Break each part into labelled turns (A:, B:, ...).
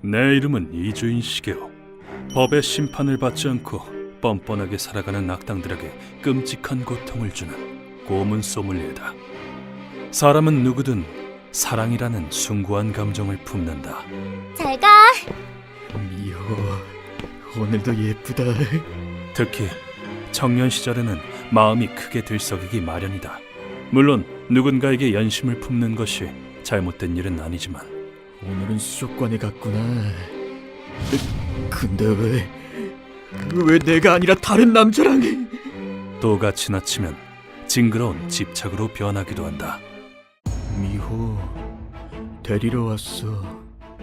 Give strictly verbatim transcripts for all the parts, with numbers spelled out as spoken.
A: 내 이름은 이주인 시게오. 법의 심판을 받지 않고 뻔뻔하게 살아가는 악당들에게 끔찍한 고통을 주는 고문 소믈리에다. 사람은 누구든 사랑이라는 숭고한 감정을 품는다.
B: 잘 가.
C: 미호, 오늘도 예쁘다.
A: 특히 청년 시절에는 마음이 크게 들썩이기 마련이다. 물론 누군가에게 연심을 품는 것이 잘못된 일은 아니지만
C: 오늘은 수족관에 갔구나. 근데 왜, 왜 내가 아니라 다른 남자랑?
A: 또가 지나치면 징그러운 집착으로 변하기도 한다.
C: 미호, 데리러 왔어.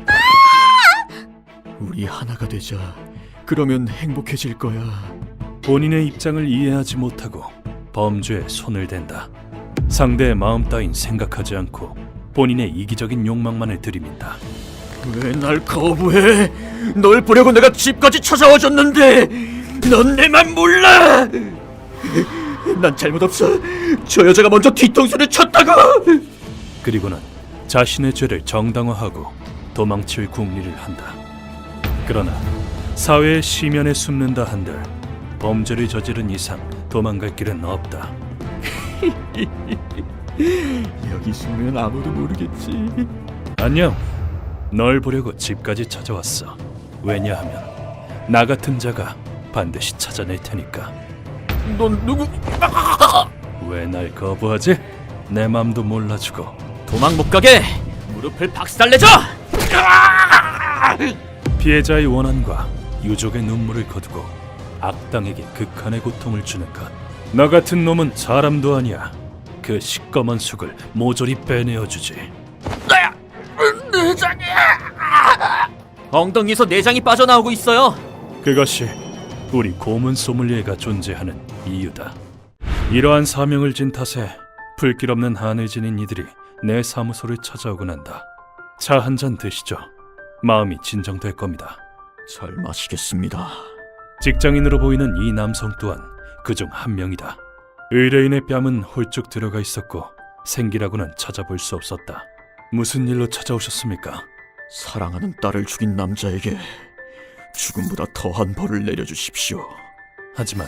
C: 우리 하나가 되자. 그러면 행복해질 거야.
A: 본인의 입장을 이해하지 못하고 범죄에 손을 댄다. 상대의 마음 따윈 생각하지 않고 본인의 이기적인 욕망만을 들이민다.
C: 왜 날 거부해? 널 보려고 내가 집까지 찾아와 줬는데 넌 내 맘 몰라. 난 잘못 없어. 저 여자가 먼저 뒤통수를 쳤다고.
A: 그리고는 자신의 죄를 정당화하고 도망칠 궁리를 한다. 그러나 사회의 시면에 숨는다 한들 범죄를 저지른 이상 도망갈 길은 없다.
C: 여기 숨으면 아무도 모르겠지.
A: 안녕. 널 보려고 집까지 찾아왔어. 왜냐하면 나 같은 자가 반드시 찾아낼 테니까.
C: 넌 누구?
A: 왜 날 거부하지? 내 맘도 몰라주고.
C: 도망 못 가게 무릎을 박살내줘.
A: 피해자의 원한과 유족의 눈물을 거두고 악당에게 극한의 고통을 주는 것. 너 같은 놈은 사람도 아니야. 그 시꺼먼 속을 모조리 빼내어주지.
C: 내장이야. 엉덩이에서 내장이 빠져나오고 있어요.
A: 그것이 우리 고문 소믈리에가 존재하는 이유다. 이러한 사명을 진 탓에 불길 없는 한을 지닌 이들이 내 사무소를 찾아오곤 한다. 차 한 잔 드시죠. 마음이 진정될 겁니다.
C: 잘 마시겠습니다.
A: 직장인으로 보이는 이 남성 또한 그중 한 명이다. 의뢰인의 뺨은 홀쭉 들어가 있었고 생기라고는 찾아볼 수 없었다. 무슨 일로 찾아오셨습니까?
C: 사랑하는 딸을 죽인 남자에게 죽음보다 더한 벌을 내려주십시오.
A: 하지만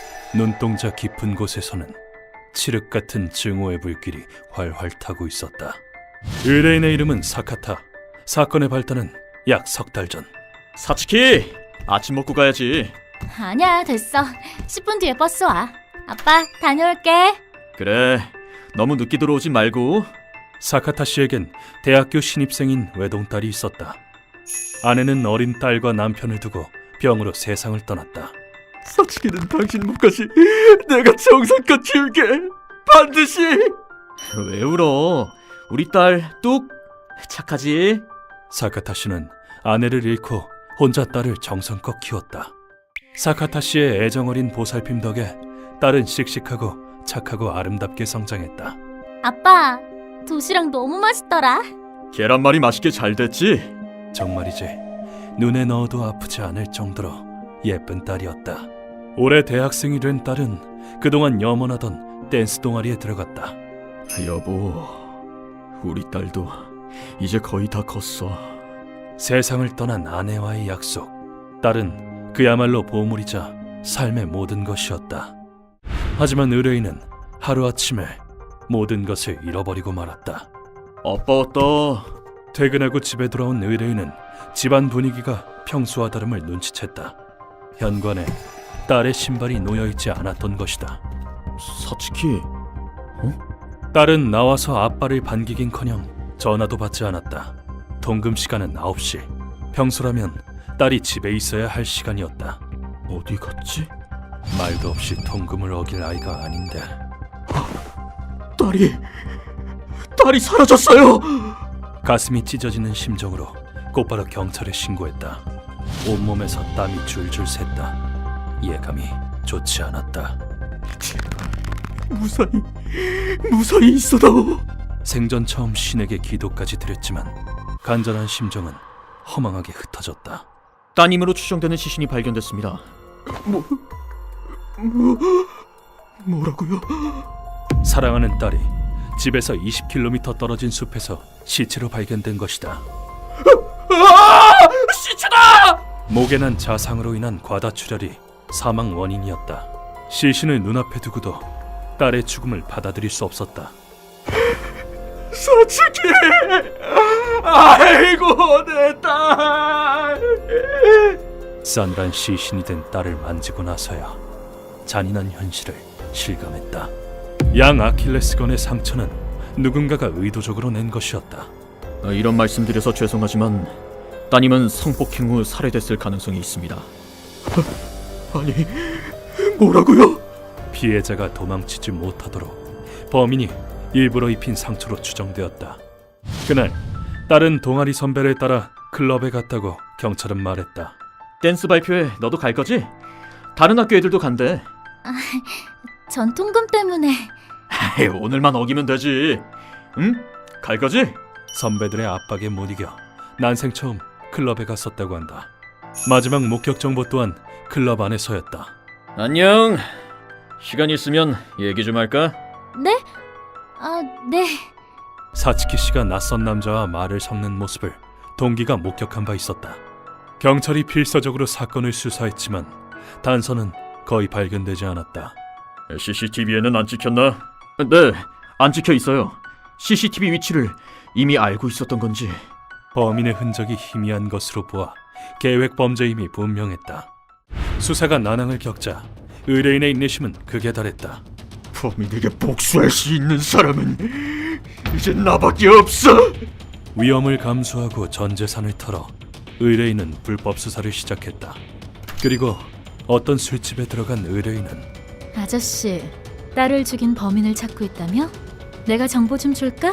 A: 눈동자 깊은 곳에서는 칠흑 같은 증오의 불길이 활활 타고 있었다. 의뢰인의 이름은 사카타. 사건의 발단은 약 석 달 전.
C: 사츠키, 아침 먹고 가야지.
B: 아니야, 됐어. 십 분 뒤에 버스 와. 아빠, 다녀올게.
C: 그래, 너무 늦게 들어오지 말고.
A: 사카타 씨에겐 대학교 신입생인 외동딸이 있었다. 아내는 어린 딸과 남편을 두고 병으로 세상을 떠났다.
C: 사츠키는 당신 몫까지 내가 정성껏 키울게. 반드시. 왜 울어? 우리 딸 뚝 착하지?
A: 사카타 씨는 아내를 잃고 혼자 딸을 정성껏 키웠다. 사카타 씨의 애정어린 보살핌 덕에 딸은 씩씩하고 착하고 아름답게 성장했다.
B: 아빠, 도시락 너무 맛있더라.
C: 계란말이 맛있게 잘 됐지?
A: 정말이지 눈에 넣어도 아프지 않을 정도로 예쁜 딸이었다. 올해 대학생이 된 딸은 그동안 염원하던 댄스 동아리에 들어갔다.
C: 여보, 우리 딸도 이제 거의 다 컸어.
A: 세상을 떠난 아내와의 약속. 딸은 그야말로 보물이자 삶의 모든 것이었다. 하지만 의뢰인은 하루아침에 모든 것을 잃어버리고 말았다.
C: 아빠 왔다.
A: 퇴근하고 집에 돌아온 의뢰인은 집안 분위기가 평소와 다름을 눈치챘다. 현관에 딸의 신발이 놓여있지 않았던 것이다.
C: 사츠키,
A: 딸은 나와서 아빠를 반기긴커녕 전화도 받지 않았다. 통금 시간은 아홉 시. 평소라면 딸이 집에 있어야 할 시간이었다.
C: 어디 갔지?
A: 말도 없이 통금을 어길 아이가 아닌데.
C: 딸이, 딸이 사라졌어요.
A: 가슴이 찢어지는 심정으로 곧바로 경찰에 신고했다. 온몸에서 땀이 줄줄 샜다. 예감이 좋지 않았다.
C: 무사히, 무사히 있어다오.
A: 생전 처음 신에게 기도까지 드렸지만 간절한 심정은 허망하게 흩어졌다.
C: 따님으로 추정되는 시신이 발견됐습니다. 뭐, 뭐, 뭐라고요?
A: 사랑하는 딸이 집에서 이십 킬로미터 떨어진 숲에서 시체로 발견된 것이다.
C: 아!
A: 목에 난 자상으로 인한 과다출혈이 사망 원인이었다. 시신을 눈앞에 두고도 딸의 죽음을 받아들일 수 없었다.
C: 사츠키! 아이고 내 딸!
A: 싼란 시신이 된 딸을 만지고 나서야 잔인한 현실을 실감했다. 양 아킬레스건의 상처는 누군가가 의도적으로 낸 것이었다.
C: 아, 이런 말씀드려서 죄송하지만 따님은 성폭행 후 살해됐을 가능성이 있습니다. 아니, 뭐라고요?
A: 피해자가 도망치지 못하도록 범인이 일부러 입힌 상처로 추정되었다. 그날 딸은 동아리 선배를 따라 클럽에 갔다고 경찰은 말했다.
C: 댄스 발표회 너도 갈 거지? 다른 학교 애들도 간대.
B: 전 통금 때문에.
C: 에이, 오늘만 어기면 되지. 응? 갈 거지?
A: 선배들의 압박에 못 이겨 난생 처음 클럽에 갔었다고 한다. 마지막 목격 정보 또한 클럽 안에서였다.
C: 안녕. 시간 있으면 얘기 좀 할까?
B: 네? 아, 네.
A: 사츠키 씨가 낯선 남자와 말을 섞는 모습을 동기가 목격한 바 있었다. 경찰이 필사적으로 사건을 수사했지만 단서는 거의 발견되지 않았다.
C: 씨씨티비에는 안 찍혔나? 네, 안 찍혀 있어요. 씨씨티비 위치를 이미 알고 있었던 건지.
A: 범인의 흔적이 희미한 것으로 보아 계획 범죄임이 분명했다. 수사가 난항을 겪자 의뢰인의 인내심은 극에 달했다.
C: 범인에게 복수할 수 있는 사람은 이제 나밖에 없어.
A: 위험을 감수하고 전 재산을 털어 의뢰인은 불법 수사를 시작했다. 그리고 어떤 술집에 들어간 의뢰인은
B: 아저씨, 딸을 죽인 범인을 찾고 있다며? 내가 정보 좀 줄까?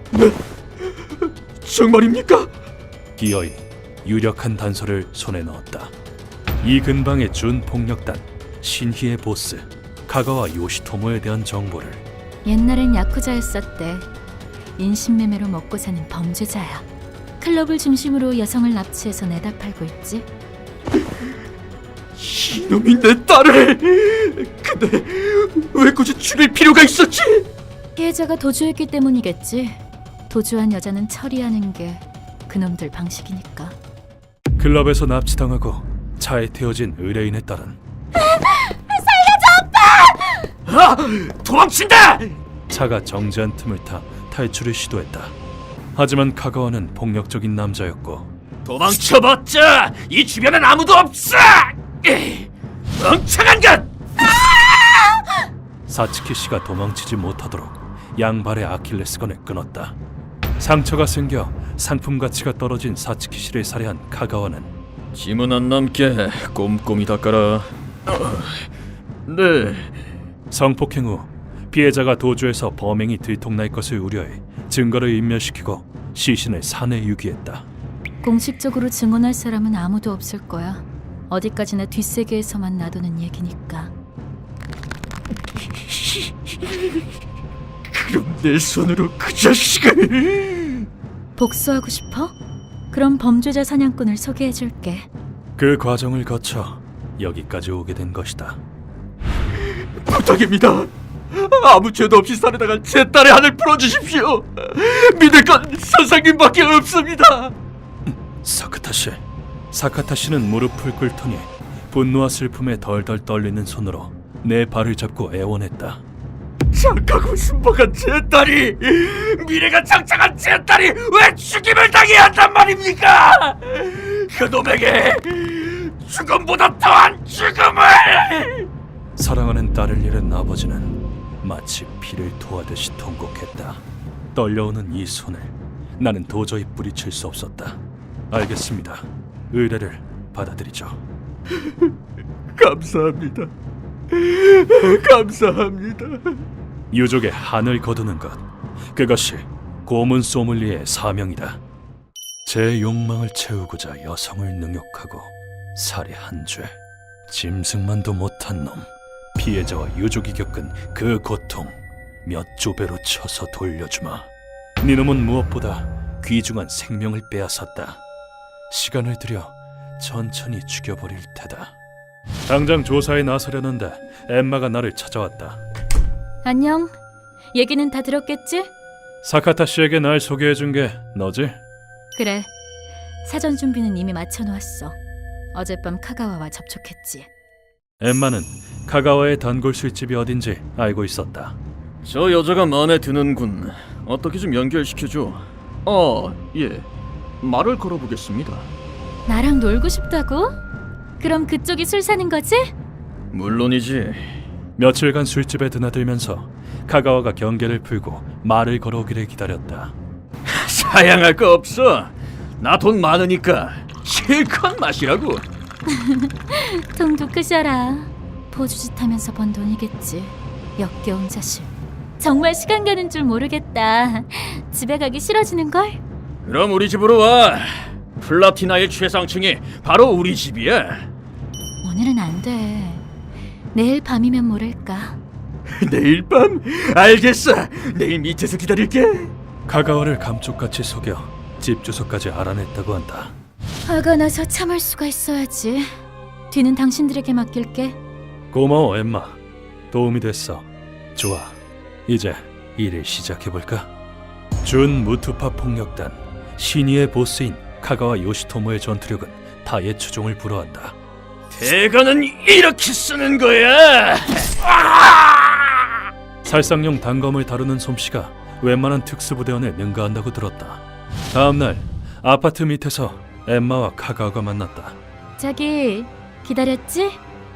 C: 정말입니까?
A: 기어이 유력한 단서를 손에 넣었다. 이 근방의 준폭력단 신희의 보스 카가와 요시토모에 대한 정보를.
B: 옛날엔 야쿠자였었대. 인신매매로 먹고 사는 범죄자야. 클럽을 중심으로 여성을 납치해서 내다 팔고 있지.
C: 이놈이 내 딸을. 근데 왜 굳이 죽일 필요가 있었지?
B: 피해자가 도주했기 때문이겠지. 도주한 여자는 처리하는 게 그놈들 방식이니까.
A: 클럽에서 납치당하고 차에 태워진 의뢰인의 딸은
C: 아! 도망친다!
A: 차가 정지한 틈을 타 탈출을 시도했다. 하지만 카가와는 폭력적인 남자였고
C: 도망쳐봤자 이 주변엔 아무도 없어! 에이, 멍청한 것!
A: 사츠키 씨가 도망치지 못하도록 양발의 아킬레스건을 끊었다. 상처가 생겨 상품 가치가 떨어진 사츠키 씨를 살해한 카가와는
C: 짐은 안 남게 꼼꼼히 닦아라. 네.
A: 성폭행 후 피해자가 도주해서 범행이 들통날 것을 우려해 증거를 인멸시키고 시신을 산에 유기했다.
B: 공식적으로 증언할 사람은 아무도 없을 거야. 어디까지나 뒷세계에서만 놔두는 얘기니까.
C: 그럼 내 손으로 그 자식을...
B: 복수하고 싶어? 그럼 범죄자 사냥꾼을 소개해줄게.
A: 그 과정을 거쳐 여기까지 오게 된 것이다.
C: 부탁입니다. 아무 죄도 없이 살해당한 제 딸의 한을 풀어주십시오. 믿을 건 선생님밖에 없습니다.
A: 사카타 씨. 사카타 씨는 무릎을 꿇더니 분노와 슬픔에 덜덜 떨리는 손으로 내 발을 잡고 애원했다.
C: 착하고 순박한 제 딸이, 미래가 창창한 제 딸이 왜 죽임을 당해야 한단 말입니까? 그놈에게 죽음보다 더한 죽음을!
A: 사랑하는 딸을 잃은 아버지는 마치 피를 토하듯이 통곡했다. 떨려오는 이 손을 나는 도저히 뿌리칠 수 없었다. 알겠습니다. 의뢰를 받아들이죠.
C: 감사합니다. 감사합니다.
A: 유족의 한을 거두는 것, 그것이 고문 소믈리에의 사명이다. 제 욕망을 채우고자 여성을 능욕하고 살해한 죄, 짐승만도 못한 놈, 피해자와 유족이 겪은 그 고통 몇 조배로 쳐서 돌려주마. 니놈은 무엇보다 귀중한 생명을 빼앗았다. 시간을 들여 천천히 죽여버릴 테다. 당장 조사에 나서려는데 엠마가 나를 찾아왔다.
B: 안녕. 얘기는 다 들었겠지?
A: 사카타 씨에게 날 소개해준 게 너지?
B: 그래. 사전 준비는 이미 마쳐놓았어. 어젯밤 카가와와 접촉했지.
A: 엠마는 카가와의 단골 술집이 어딘지 알고 있었다.
C: 저 여자가 마음에 드는군. 어떻게 좀 연결시켜줘. 어, 예. 말을 걸어보겠습니다.
B: 나랑 놀고 싶다고? 그럼 그쪽이 술 사는 거지?
C: 물론이지.
A: 며칠간 술집에 드나들면서 카가와가 경계를 풀고 말을 걸어오기를 기다렸다.
C: 사양할 거 없어. 나 돈 많으니까 실컷 마시라고.
B: 통도 크셔라. 포주짓 하면서 번 돈이겠지. 역겨운 자식. 정말 시간 가는 줄 모르겠다. 집에 가기 싫어지는걸?
C: 그럼 우리 집으로 와. 플라티나의 최상층이 바로 우리 집이야.
B: 오늘은 안 돼. 내일 밤이면 모를까.
C: 내일 밤? 알겠어. 내일 밑에서 기다릴게.
A: 카가와를 감쪽같이 속여 집 주소까지 알아냈다고 한다.
B: 화가 나서 참을 수가 있어야지. 뒤는 당신들에게 맡길게.
A: 고마워 엠마. 도움이 됐어. 좋아. 이제 일을 시작해볼까? 준 무투파 폭력단 신이의 보스인 카가와 요시토모의 전투력은 타의 추종을 불허한다.
C: 대가는 이렇게 쓰는 거야.
A: 살상용 단검을 다루는 솜씨가 웬만한 특수부대원에 능가한다고 들었다. 다음날 아파트 밑에서 엠마와 카가와가 만났다.
B: 자기 기다렸지?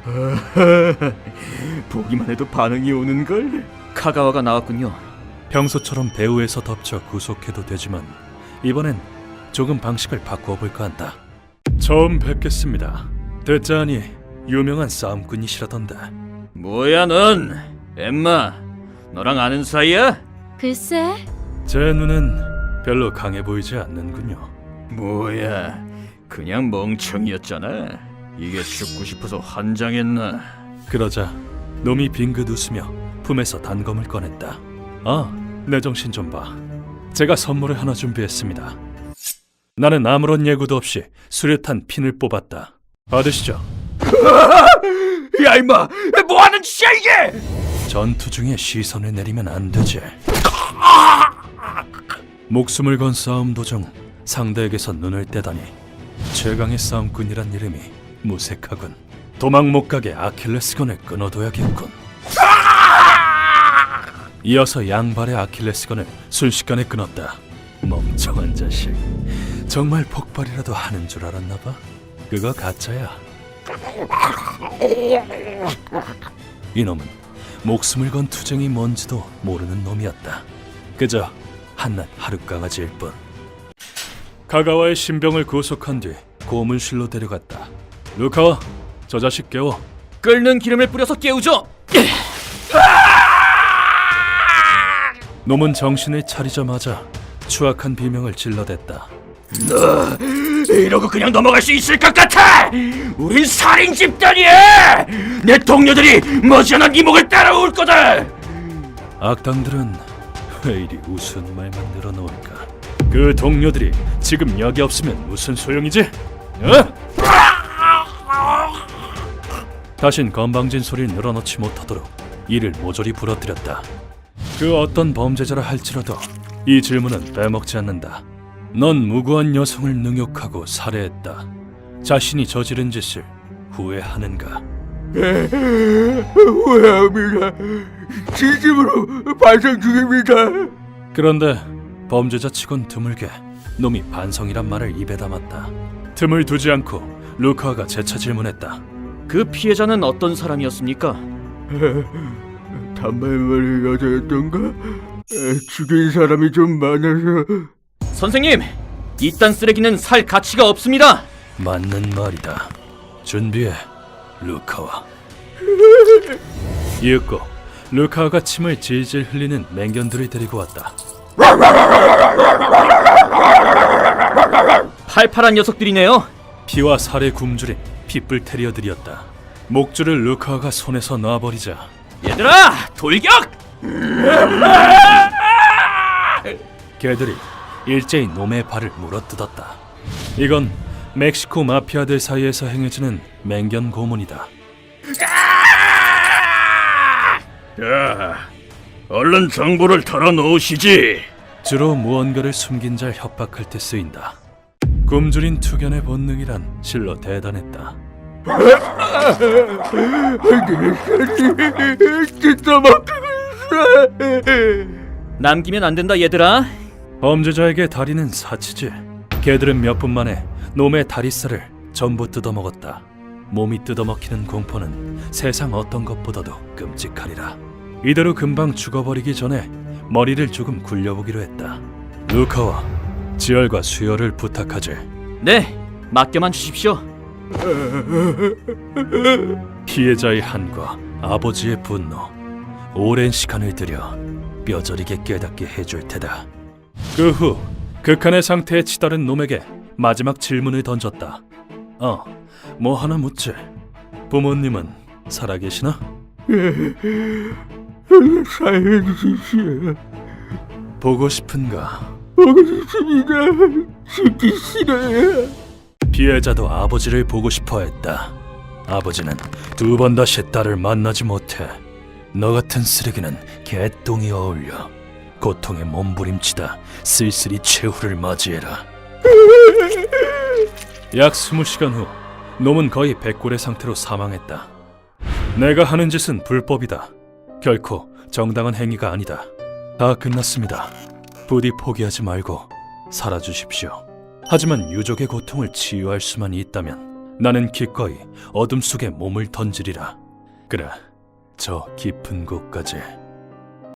C: 보기만 해도 반응이 오는 걸. 카가와가 나왔군요.
A: 평소처럼 배후에서 덮쳐 구속해도 되지만 이번엔 조금 방식을 바꾸어 볼까 한다. 처음 뵙겠습니다. 듣자하니 유명한 싸움꾼이시라던데.
C: 뭐야 넌? 엠마, 너랑 아는 사이야?
B: 글쎄.
A: 제 눈엔 별로 강해 보이지 않는군요.
C: 뭐야, 그냥 멍청이였잖아. 이게 죽고 싶어서 환장했나?
A: 그러자 놈이 빙긋 웃으며 품에서 단검을 꺼냈다. 아, 내 정신 좀 봐. 제가 선물을 하나 준비했습니다. 나는 아무런 예고도 없이 수류탄 핀을 뽑았다. 받으시죠.
C: 야 임마, 뭐하는 짓이야 이게?
A: 전투 중에 시선을 내리면 안 되지. 목숨을 건 싸움 도중 상대에게서 눈을 떼다니 최강의 싸움꾼이란 이름이 무색하군. 도망 못 가게 아킬레스건을 끊어둬야겠군. 이어서 양발의 아킬레스건을 순식간에 끊었다. 멍청한 자식. 정말 폭발이라도 하는 줄 알았나 봐. 그거 가짜야. 이놈은 목숨을 건 투쟁이 뭔지도 모르는 놈이었다. 그저 한낱 하룻강아지일 뿐. 카가와의 신병을 구속한 뒤 고문실로 데려갔다. 루카와, 저 자식 깨워.
C: 끓는 기름을 뿌려서 깨우죠.
A: 놈은 정신을 차리자마자 추악한 비명을 질러댔다.
C: 너 이러고 그냥 넘어갈 수 있을 것 같아? 우린 살인 집단이야. 내 동료들이 머지않아 네 목을 따라올 거다.
A: 악당들은 왜 이리 우스운 말만 늘어놓을까? 그 동료들이 지금 여기 없으면 무슨 소용이지? 어? 다신 건방진 소리를 늘어놓지 못하도록 이를 모조리 부러뜨렸다. 그 어떤 범죄자라 할지라도 이 질문은 빼먹지 않는다. 넌 무고한 여성을 능욕하고 살해했다. 자신이 저지른 짓을 후회하는가?
C: 후회합니다. 진심으로 반성 중입니다.
A: 그런데 범죄자 치곤 드물게 놈이 반성이란 말을 입에 담았다. 틈을 두지 않고 루카가 재차 질문했다.
C: 그 피해자는 어떤 사람이었습니까? 단발머리 여자였던가? 죽인 사람이 좀 많아서. 선생님, 이딴 쓰레기는 살 가치가 없습니다.
A: 맞는 말이다. 준비해, 루카와. 이윽고 루카가 침을 질질 흘리는 맹견들을 데리고 왔다.
C: 팔팔한 녀석들이네요.
A: 피와 살에 굶주린 핏불 테리어들이었다. 목줄을 루카가 손에서 놔버리자
C: 얘들아, 돌격!
A: 개들이 일제히 놈의 발을 물어뜯었다. 이건 멕시코 마피아들 사이에서 행해지는 맹견 고문이다.
C: 자, 얼른 정보를 털어놓으시지.
A: 주로 무언가를 숨긴 자 협박할 때 쓰인다. 굶주린 투견의 본능이란 실로 대단했다.
C: 진짜 막히고 있어. 남기면 안 된다 얘들아.
A: 범죄자에게 다리는 사치지. 개들은 몇 분 만에 놈의 다리살을 전부 뜯어먹었다. 몸이 뜯어먹히는 공포는 세상 어떤 것보다도 끔찍하리라. 이대로 금방 죽어버리기 전에 머리를 조금 굴려보기로 했다. 루카와 지열과 수혈을 부탁하지.
C: 네, 맡겨만 주십시오.
A: 피해자의 한과 아버지의 분노, 오랜 시간을 들여 뼈저리게 깨닫게 해줄 테다. 그 후 극한의 상태에 치달은 놈에게 마지막 질문을 던졌다. 어, 뭐 하나 묻지? 부모님은 살아계시나?
C: 살려주십시오.
A: 보고 싶은가?
C: 보고 싶습니다. 죽기 싫어요.
A: 피해자도 아버지를 보고 싶어 했다. 아버지는 두 번 다시 딸을 만나지 못해. 너 같은 쓰레기는 개똥이 어울려. 고통에 몸부림치다 쓸쓸히 최후를 맞이해라. 약 스무 시간 후 놈은 거의 백골의 상태로 사망했다. 내가 하는 짓은 불법이다. 결코 정당한 행위가 아니다. 다 끝났습니다. 부디 포기하지 말고 살아주십시오. 하지만 유족의 고통을 치유할 수만 있다면 나는 기꺼이 어둠 속에 몸을 던지리라. 그래, 저 깊은 곳까지.